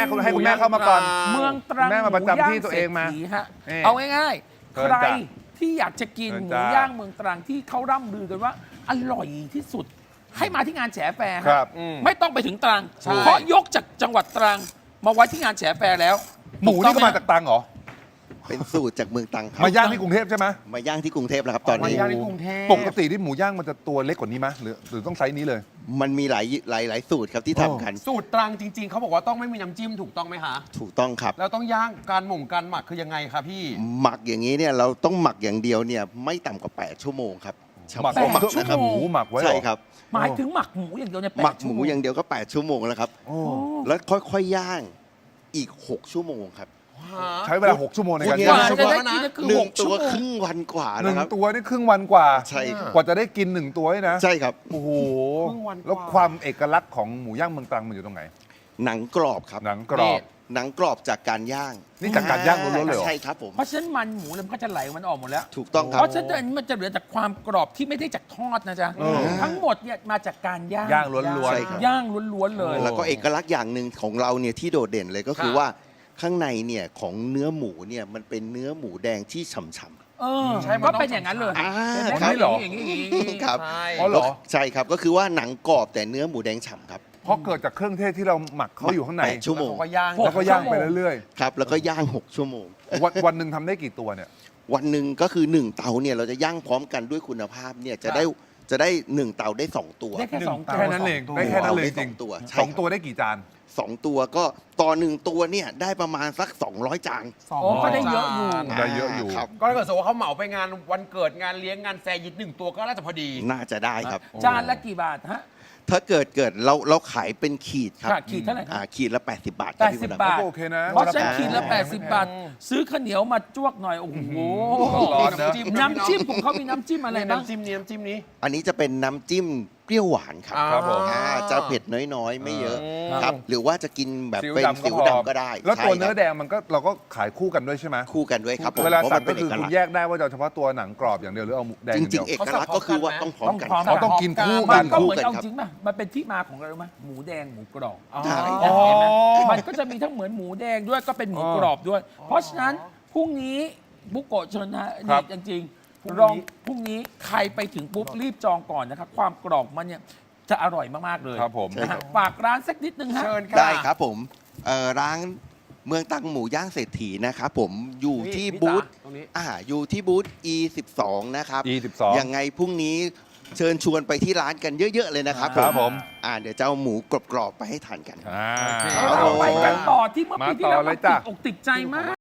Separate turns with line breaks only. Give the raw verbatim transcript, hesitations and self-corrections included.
คุณให้คุณแม่เข้ามาก่อน
เมืองตรัง
แม่มาประจำที่ตัวเองมา
หมูย่ศรษฐีฮะ
นี่
เอาง่ายๆ
เชิ
ใค
ญ
ร
จ้ะ
ที่อยากจะกิน
เชิญ
หมู
จ้ะ
ย่างเมืองตรังที่เขาร่ำลือกันว่า อร่อยที่สุด ให้มาที่งานแฉแฟร์
ครั
ฮะ
บ
ไม่ต้องไปถึงตรัง
ใช่
เพราะยกจากจังหวัดตรังมาไว้ที่งานแฉแฟร์แล้ว
หมูนี่ก็มาจากตรังเหรอ
เป็นสูตรจากเมืองตรังครับ
มาย่างที่กรุงเทพใช่ไหม
มาย่างที่กรุงเทพแล้วครับตอน
มา
นี้
ย่างในกรุงเทพ
ปกติที่หมูย่างมันจะตัวเล็กกว่านี้ไหมหรือหรือต้องไซส์นี้เลย
มันมีหลายหลายหลายสูตรครับที่ทำกัน
สูตรตรังจริง ๆ เขาบอกว่าต้องไม่มีน้ำจิ้มถูกต้องไหมคะ
ถูกต้องครับ
แล้วต้องย่างการหม่งการหมักคือยังไงคะพี่
หมักอย่างนี้เนี่ยเราต้องหมักอย่างเดียวเนี่ยไม่ต่ำกว่า แปด ชั่วโมงครับเฉ
หมัก
พาะหมัก
แปดชั่ว
นะครับ
โม
หมูหมักไว้เหรอ
ใช่ครับ
หมายถึงหมักหมูอย่างเดียวเนี่ย
หมักหมู
แปดชั่วโ
อย่างเดียวก็ แปด ชั่วโมงแล้วครับ
โอ้
โอ้
แล้วค่อยๆย่างอีก หก ชั่วโมงครับ
ใช้เวลาหกชั่วโมงในการ
พูด
ย่าง
ง่าย
จะได้กินก็คือ
หนึ่
ห
ง
ก
ตั
ชั่
ว
วโม
ค
ง
รึ่งวันกว่า
หนึ่
นะ
ง
ครับ
ตัวนี่ครึ่งวันกว่า
ใช่ครับ
กว่าจะได้กินหนึ่งตัวนี่นะ
ใช่ครับ
โอ้โห
ครึ่งวันกว่า
แล้วความเอกลักษณ์ของหมูย่างเมืองตรังมันอยู่ตรงไหน
หนังกรอบครับ
หนังกรอบ
หนังกรอบจากการย่าง
นี่จากการย่างล้วนๆเลยเหรอ
ใช่ครับผม
เพราะฉะนั้นมันหมูเนี่ยมันก็จะไหลมันออกหมดแล้ว
ถูกต้องครั
เพ
บ
ราะฉะนั้นมันจะเหลือจากความกรอบที่ไม่ได้จากทอดนะจ๊ะ
เออ
ทั้งหมดเนี่ยมาจากการย่าง
ย่างล้วนๆ
ใช่ครับ
ย่างล้วนๆเลย
แล้วก็เอกลักษณ์อย่างหนึ่งของเราเนี่ยที่โดดเด่นเลยก็คือ
ค่ะ
ว่าข้างในเนี่ยของเนื้อหมูเนี่ยมันเป็นเนื้อหมูแดงที่ฉ่ำ
เออ
ใช่มัน
ก็
ต้อง
เป็นอย่างนั้นเลย
ๆอ่า
เห็นไหม
ครับ
นี่เหรอ
อย่างนี้อย่างนี้อย่างนี้
ครับ
ใช่
อ๋อเหรอ
ใช่ครับก็คือว่าหนังกรอบแต่เนื้อหมูแดงฉ่ำครับ
เพราะเกิดจากเครื่องเทศที่เราหมักเขาอยู่ข้างใน
แปดชั่วโมง
เขาก็ย่าง
แล้วก็ย่างไปเรื่อย
ครับแล้วก็ย่าง หก ชั่วโมง
ๆ วันวันหนึ่งทำได้กี่ตัวเนี่ย
วันหนึ่งก็คือหนึ่งเตาเนี่ยเราจะย่างพร้อมกันด้วยคุณภาพเนี่ยจะได้จะได้หนึ่งเตาได้สองตัว
ได้แค่สองตัว
แค่นั้นเองได้แค่นั้นเลยจริง
สองตัวใช่
สอง
ครับ
ตัวได้กี่จาน
สองตัวก็ต่อหนึ่งตัวเนี่ยได้ประมาณสัก สองร้อย จาน
สอง
โอ้ก็ได้เยอะอยู่
จาน
ได้เยอะอยู่
ครับ
ก็ถ้าเกิดสมมติว่าเขาเหมาไปงานวันเกิดงานเลี้ยงงานแฟร์ยิตหนึ่งตัวก็น่าจะพอดี
น่าจะได้ครับ
จานละกี่บาทฮะ
ถ้าเกิดเกิดเราเราขายเป็นขีดครับ
ค่ะขีดเท่าไหร่ครับ
อ่าขีดละ แปดสิบบาทค
แป
รับ
ด
พี่
สิบ
มดดำ
บาท
ก็โอเคนะ
เพราะฉะนัน
อ่า
ขีดละแปดสิบบาท ซื้อข้าวเหนียวมาจ้วกหน่อย โอ้โห
ร้อนนะ
น้ำจิ้มของเขามีน้ำจิ้มอะไรบ้าง
น้ำจิ้มนี้น้ำจิ้มนี้
อันนี้จะเป็นน้ำจิ้มเปรี้ยวหวานครับ
ครับผม
อ่าจะเผ็ดน้อยๆ ไม่เยอะ
อืม
ครับ หรือว่าจะกินแบบ
ซีอิ๊ว
เป็น
ดำก็
สิว
พอ
ดำก็ได้
แล้วตัว
ใช่
เนื้อ
ครับ
แดงมันก็เราก็ขายคู่กันด้วยใช่ไหม
คู่กันด้วยครับผม
เวลา
พระ
สั่ง
น
ก็
เป็น
คือ
เกลั
คุ
ก
ณ
ษณ์
แยกได้ว่าเราเฉพาะตัวหนังกรอบอย่างเดียวหรือเอาหมูแดง
จ
อย่างเดี
ริ
ย
ง
ว
ๆ เอกลักษณ์ก็คือว่าต้องพร้อมกัน
ต้องพร้อม
เขาต้องกินคู่
มั
กัน น
ก็เหมือน
คู่กัน
เอา
ครับ
จริงป่ะมันเป็นที่มาของอะไรรู้ไหมหมูแดงหมูกรอบ
อ๋อ
ใช่
เห็นไหม
อ๋อ
มันก็จะมีทั้งเหมือนหมูแดงด้วยก็เป็นหมูกรอบด้วย เพราะฉะนั้นพรุ่งนี้บุกโกะเชิญนะ
ครั
นี่
บ
จริง
พรุ่งนี้
ๆลองพรุ่งนี้ใครไปถึงปุ๊บรีบจองก่อนนะครับ ความกรอบมันเนี่ยจะอร่อยมาก ๆ เลย
ครับผม
นะฮะฝากร้านสักนิดนึงฮะ
เชิญค่ะ
ได้ครับผมเอ่อร้านเมืองตังหมูย่างเศรษฐีนะครับผมอยู่
นี่
ที่
พี่
บูธ
จ๋าตรงนี้
อ่าอยู่ที่บูธ อี สิบสอง นะครับ
อี สิบสอง
ยังไงพรุ่งนี้เชิญชวนไปที่ร้านกันเยอะ ๆ เลยนะครับ
ครับผม
อ่าเดี๋ยวจะเอาหมูกรอบๆไปให้ทานกัน
อ่า
เราไปกันต่อที่เมื่อปีที่แล้ว
มาต่อเลยจ้ะ
ติดอกติดใจมาก